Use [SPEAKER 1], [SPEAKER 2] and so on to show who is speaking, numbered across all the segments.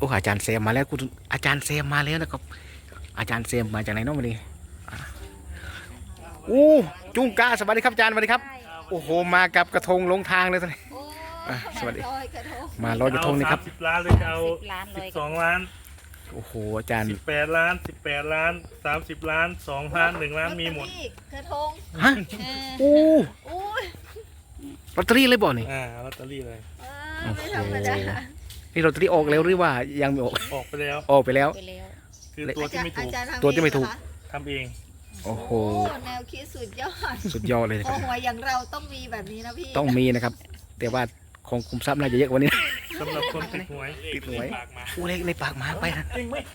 [SPEAKER 1] อ้อาจารย์เซมมาแล้วคุณอาจารย์เซมมาแล้วนะครับอาจารย์เซมมาจากไหนน้องวันนี้อู้จุงกาสวัสดีครับอาจารย์สวัสดีครับโอ้โหมากับกระทงลงทางเลยตอนนี้สวัสดีมาลอยกระทงนี่ครับ
[SPEAKER 2] 30 ล้านเลยจะเอา12 ล้าน
[SPEAKER 1] โอ้โหอาจารย์
[SPEAKER 2] 18 ล้าน18 ล้าน30 ล้าน2 ล้าน1 ล้านมีหมด
[SPEAKER 3] กระทง
[SPEAKER 1] ฮะอู้ลอตเตอรี่เลยบ่นี่
[SPEAKER 2] ลอตเตอรี่เลย
[SPEAKER 3] ไม่ธรรมดา
[SPEAKER 1] นี่ลอตเตอรี่ออกแล้วหรือว่ายังไม่ออก
[SPEAKER 2] ออกไปแล้ว
[SPEAKER 1] ออกไปแล้ว
[SPEAKER 2] คือตัวที่ไม่ถูก
[SPEAKER 1] ตัวที่ไม่ถูก
[SPEAKER 2] ทำเอง
[SPEAKER 1] โอ้โห
[SPEAKER 3] แนวคิดสุดยอด
[SPEAKER 1] สุดยอดเลยครับ
[SPEAKER 3] โอ้โหอย่างเราต้องมีแบบนี้นะพี่
[SPEAKER 1] ต้องมีนะครับแต่ว่าของคุมทรัพย์น่าจะเยอะกว่านี้
[SPEAKER 2] สำหรับคนติดหวย
[SPEAKER 1] อู้เลขในปากหมาไปนะ
[SPEAKER 2] จริงไหม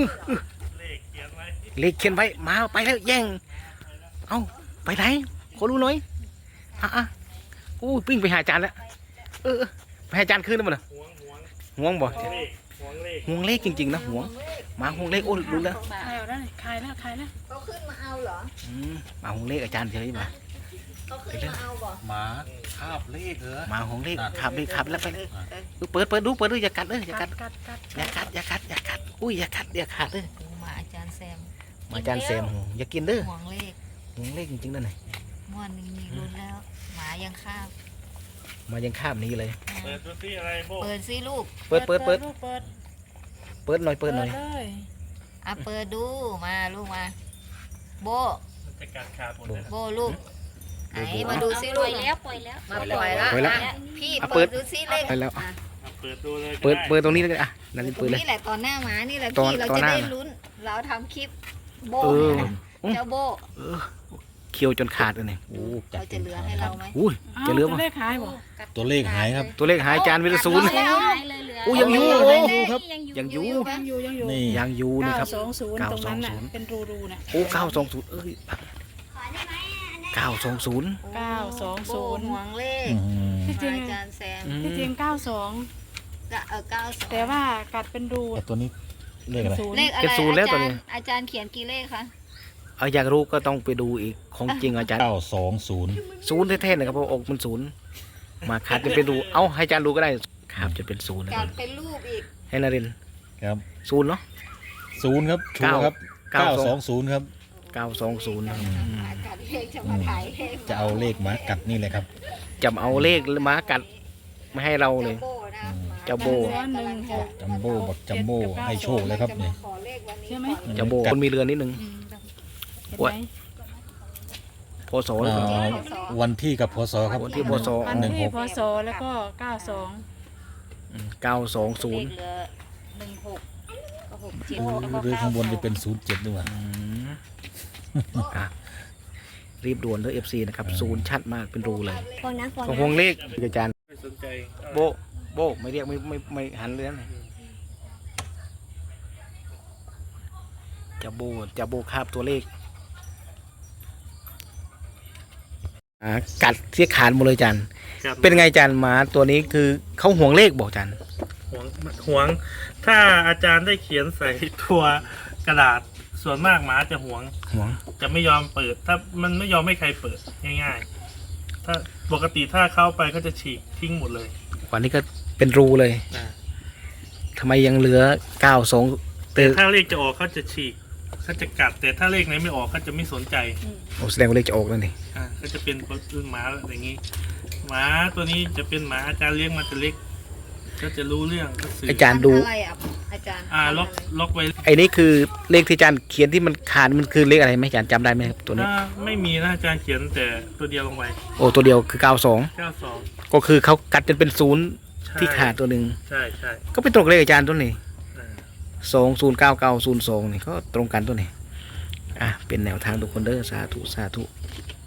[SPEAKER 1] เลขเขียนไว้มาไปแล้วแย่งเอ้าไปไหนขอรู้หน่อยอู้ปิ้งไปหาอาจารย์แล้วไปหาอาจารย์คืนได้มั้ยล่ะห่วงบ่ห่วงเลขจริงๆนะห่วงมาห่วงเลขโอ้รู้แล้ว
[SPEAKER 3] ขายแล้วเขาขึ้นมาเอาเหรอ
[SPEAKER 1] มาห่วงเลขอาจารย์เฉยมา
[SPEAKER 3] เขาขึ้นมาเอาบ่
[SPEAKER 4] หมาคาบเลขเหรอ
[SPEAKER 1] มาห่วงเลขขับเลขขับแล้วไปเลยเปิดดูอย่ากัดอย่ากัดอุ้ยอย่ากัดอย่าขาดเลย
[SPEAKER 3] มาอาจารย์แซม
[SPEAKER 1] มาอาจารย์แซมอย่ากินเด้อ
[SPEAKER 3] ห่วงเลข
[SPEAKER 1] จริงๆนั่นไง
[SPEAKER 3] ม่วนมีลุ้นแล้วหมายังคาบ
[SPEAKER 1] มายังคาบนี้เลย
[SPEAKER 2] เปิดดูสิอะไรโบ
[SPEAKER 3] เปิดสิลูก
[SPEAKER 1] เปิดหน่อยเปิดหน่อย
[SPEAKER 3] เปิดดูมาลูกมาโบ
[SPEAKER 2] จะกัดขาดหมดเลย
[SPEAKER 3] โบลูกไหนมาดูซิลูก
[SPEAKER 5] ปล่อยแล้ว
[SPEAKER 3] มาปล่อยแล้วพี่เปิดดูซิเลข
[SPEAKER 1] ไปแล้ว
[SPEAKER 2] เปิดดูเลย
[SPEAKER 1] เปิดตรงนี้เลยนั่นเปิดเลย
[SPEAKER 3] นี่แหละตอนหน้าหมานี่แหละพี่เราจะได้ลุ้นเราทำคลิปโบเจ้าโบ
[SPEAKER 1] เคี้ยวจนขาดเลยเนี่ย
[SPEAKER 3] เราจะเหลือให้เราไหม
[SPEAKER 1] จะเหลือมั้ย
[SPEAKER 4] ตัวเลขหายครับ
[SPEAKER 1] ตัวเลขหายจานวิลศูนย์ยังอยู่ครับยังอยู่
[SPEAKER 4] นี่
[SPEAKER 1] ยังอยู่นี่ครับ
[SPEAKER 5] 920ตรงนั้นน่ะเป็นรูน่ะ
[SPEAKER 1] โอ้920920
[SPEAKER 3] ห่วงเลข
[SPEAKER 5] ที่จริง
[SPEAKER 3] อาจารย์แซม
[SPEAKER 5] ที่จริง92แต่ว่ากัดเป็นรู
[SPEAKER 4] ตัวนี้เลขอะไร
[SPEAKER 3] เลขอะไรอาจารย์เขียนกี่เลขคะ
[SPEAKER 1] อยากรู้ก็ต้องไปดูอีกของจริงอาจารย์
[SPEAKER 4] 920
[SPEAKER 1] แท้ๆนะครับเพราะอกมัน0มาขาดจะไปดูให้อาจารย์ดูก็ได้ครับจะเป็น0นะ
[SPEAKER 3] การเป็นรูปอีก
[SPEAKER 1] ให้นาริน
[SPEAKER 4] ครับ
[SPEAKER 1] 0เนาะ
[SPEAKER 4] 0ครับชัวร์ครับ920ครับ
[SPEAKER 1] 920
[SPEAKER 4] จะเอาเลขหมากัดนี่เลยครับ
[SPEAKER 1] จะเอาเลขหมากัดไม่ให้เราเลยเจ้าโบ
[SPEAKER 4] จัมโบ้บักจัมโบ้ให้โชคเลยครับนี่
[SPEAKER 5] ใช่ไหม
[SPEAKER 1] เจ้าโบคนมีเรือนนิดนึงพศ
[SPEAKER 4] วันที่กับพศครับ
[SPEAKER 1] วันที่พศ
[SPEAKER 5] 16พศแล้วก็
[SPEAKER 1] 920
[SPEAKER 4] หรือข้างบนจะเป็น07ด้วย
[SPEAKER 1] รีบด่วนเลย FC นะครับ0ชัดมากเป็นรูเลยของวงเลขอาจารย์โบไม่เรียกไม่หันเลยนะจะโบคาบตัวเลขกัดเสียขาดหมดเลยอาจารย์เป็นไงอาจารย์หมาตัวนี้คือเขาห่วงเลขบอกอาจารย์
[SPEAKER 2] ห่วงถ้าอาจารย์ได้เขียนใส่ตัวกระดาษส่วนมากหมาจะห่วงจะไม่ยอมเปิดถ้ามันไม่ยอมให้ใครเปิดง่ายๆถ้าปกติถ้าเข้าไปก็จะฉีกทิ้งหมดเลย
[SPEAKER 1] วันนี้ก็เป็นรูเลยทำไมยังเหลือ92
[SPEAKER 2] แต่ถ้าเลขจะออกเขาจะฉีกเขาจะกัดแต่ถ้าเลขไหนไม่ออกเขาจะไม่สนใจ
[SPEAKER 1] โอ้แสดงว่าเลขจะออกแล้วนี่
[SPEAKER 2] ก็จะเป็นหมาอย่างนี้หมาตัวนี้จะเป็นหมาอาจารย์เลี้ยงมาแต่เล็กก็จะรู้เรื่อง
[SPEAKER 1] อาจารย์ดู
[SPEAKER 3] อาจารย์
[SPEAKER 2] ล็อกไว้
[SPEAKER 1] ไอ้นี่คือเลขที่อาจารย์เขียนที่มันขาดมันคือเลขอะไรไหมอาจารย์จำได้ไหมครับตัวนี้
[SPEAKER 2] ไม่มีนะอาจารย์เขียนแต่ตัวเดียวลงไป
[SPEAKER 1] โอ้ตัวเดียวคือ92ก็คือเขากัดจนเป็น0ที่ขาดตัวหนึ่ง
[SPEAKER 2] ใช่
[SPEAKER 1] ก็เป็นตรงเลขอาจารย์ตัวนี้209902นี่ก็ตรงกันตัวนี้เป็นแนวทางทุกคนเด้อสาธุ